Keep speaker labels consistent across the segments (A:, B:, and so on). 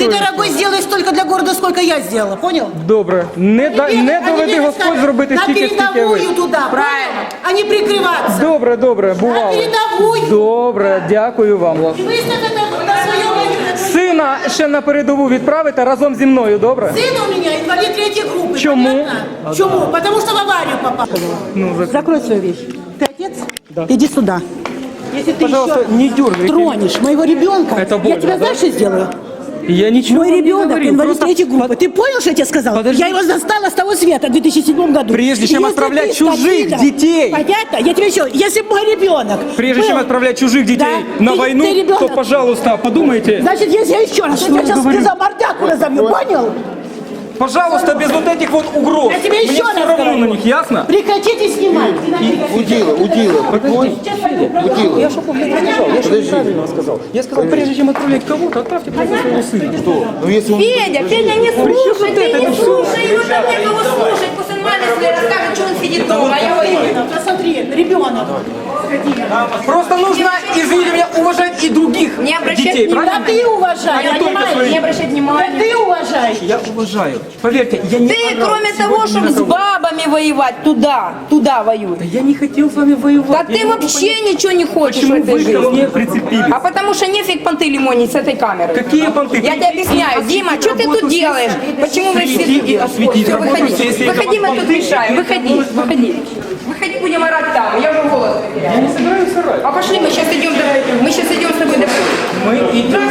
A: Ты, дорогой, сделай столько для города, сколько я сделала, понял?
B: Добре. Не доведи Господь зробити
A: на
B: стільки, скільки ви.
A: передовую туда, правильно? А не прикрываться.
B: Добре,
A: На
B: бувало.
A: передовую.
B: Добре, дякую вам.
A: И выставь это на своем...
B: Сина ще на передову відправите разом зі мною, добре?
A: Сын у меня инвалид третьей группы.
B: Чему?
A: Понятно? Чему? Потому что в аварию попал.
B: Ну,
A: Закрой свою вещь. Ты отец?
B: Да.
A: Иди сюда. Если ты
B: Пожалуйста,
A: еще
B: не дергайте.
A: тронешь моего ребенка,
B: Это
A: я
B: больно,
A: тебя
B: да?
A: знаешь, что сделаю?
B: Я ничего
A: Мой
B: не
A: ребенок
B: говорил,
A: инвалид
B: просто
A: третьей группы. Ты понял, что я тебе сказала?
B: Подожди.
A: Я его застала с того света в 2007 году.
B: Прежде чем
A: Если
B: отправлять
A: ты
B: чужих
A: скотина,
B: детей.
A: Понятно? Я тебе еще... Если бы мой ребенок...
B: Прежде
A: был-
B: чем отправлять чужих детей
A: Да.
B: на
A: Ты
B: войну,
A: ребенок.
B: то, пожалуйста, подумайте.
A: Значит, если я еще раз... Я тебя сейчас за мордяку разобью, понял?
B: Пожалуйста, без вот этих вот угроз.
A: Я тебе
B: Мне
A: еще
B: все
A: раз
B: равно
A: говорю.
B: на них, ясно?
A: Прекратите снимать.
C: Удила.
B: Я что сказал? Я что неправильно сказал? Я сказал, прежде чем отправлять кого-то, отправьте просто своего сына. Что?
C: Ну если он...
D: Федя, не слушай, ты не слушай, его там некого слушать. Пусть он маме своей расскажет, что он сидит дома, а его имя.
A: Посмотри, ребенок.
B: Просто нужно, извините меня, уважать и других
D: Не обращать
B: детей,
D: внимания.
B: правильно?
A: Да ты уважай,
B: Я только
A: понимаешь?
B: своих.
D: Не обращать
A: Да
D: внимания.
A: ты уважай.
B: Я уважаю. Поверьте, я не
D: Ты,
B: орал
D: кроме
B: сегодня
D: того,
B: ни
D: чтобы
B: на
D: с
B: кого.
D: бабами воевать, туда воюй.
B: Да я не хотел с вами воевать.
D: Да
B: Я
D: ты
B: не могу
D: вообще
B: понять,
D: ничего не хочешь в
B: почему
D: этой
B: вы ко
D: жизни.
B: мне прицепились.
D: А потому что нефиг понты лимонить с этой камерой.
B: Какие понты?
D: Я тебе объясняю, Дима, что ты тут делаешь? Почему вы все
B: Прийти
D: тут
B: и осветить
D: Все,
B: работу,
D: выходи.
B: если это
D: Выходи, мы
B: понты,
D: тут решаем. Выходи. Выходи, будем орать там. Я уже голос потеряла.
B: Я не собираюсь орать.
D: А пошли, мы сейчас идем с тобой до...
B: Мы идем.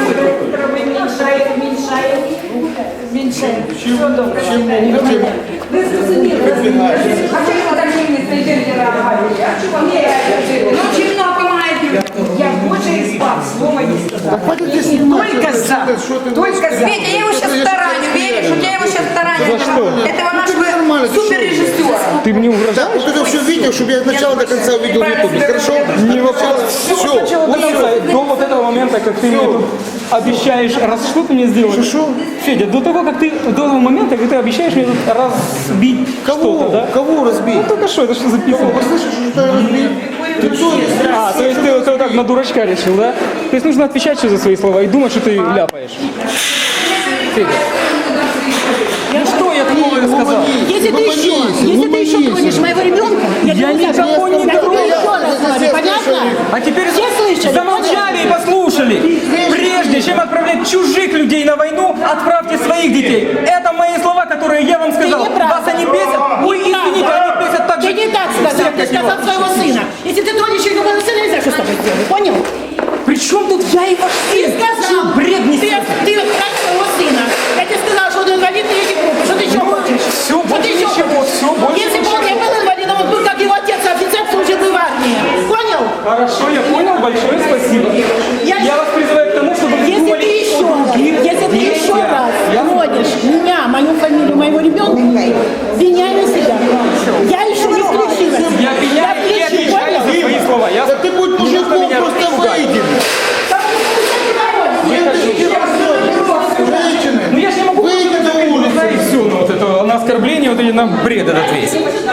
D: А чего так не стоите? А чего мне? Ну, чего помогает? Я больше из баб слова не сказала. Только за. Только за. Петя, я его сейчас тараню, веришь? У тебя его сейчас тараню. Этого нашего суперрежиссера.
B: Ты мне угрожаешь?
C: Вот это все видео, чтобы я от начала до конца увидел в ютубе, хорошо?
B: Не вопрос.
C: Все.
B: Сначала до конца, до вот этого момента, как ты мне тут обещаешь, раз что ты мне сделаешь? Федя, до того, как ты, до того момента, как ты обещаешь мне тут разбить что-то, да?
C: Кого разбить?
B: Ну только что, это что записано?
C: Слышишь, что я разбить? Ты кто?
B: А, то есть ты вот так на дурачка решил, да? То есть нужно отвечать еще за свои слова и думать, что ты ляпаешь. Федя. Ну что я такого сказал?
A: Если ты еще тронешь моего ребенка,
B: Я
A: тебя
B: никого не
A: я тебе
B: трогаю.
A: еще раз говорю, понятно?
B: А теперь
A: Все слышали?
B: замолчали и послушали. Прежде чем отправлять чужих людей на войну, отправьте своих детей. Это мои слова, которые я вам сказал.
A: Ты не прав.
B: Вас они бесят? Ой, извините, они бесят так же.
A: Ты не так сказал, ты сказал своего сына. Если ты тронешь его сына, нельзя, что с тобой сделаю, понял?
B: При чем тут я и ваш
A: Ты
B: сын?
A: сказал,
B: Что, бред
A: ты
B: несете?
A: как своего сына. Я тебе сказала, что он инвалид третьей группы, что ты еще хочешь?
B: Всё,
A: Что
B: больше
A: ты еще
B: ничего,
A: хочешь?
B: всё, больше
A: Если бы он не был инвалидом, он был как его отец, офицер, служил бы в армии. Понял?
B: Хорошо, я понял, большое спасибо. Я вас призываю к тому, чтобы вы
A: Если
B: думали
A: ты еще
B: о
A: раз,
B: других
A: если ты еще
B: детях.
A: раз
B: Я
A: тронешь меня, мою фамилию, моего ребенка, пеняй на себя. Я еще не включила.
B: Я пеняю и
A: включу,
B: отвечаю за
A: понял?
B: свои слова. Я
C: Да ты будь мужиком, просто выйди.
B: Ну я же не могу
C: Выйди на улицу.
B: и все, ну вот это на оскорбление, вот и на бред этот весь.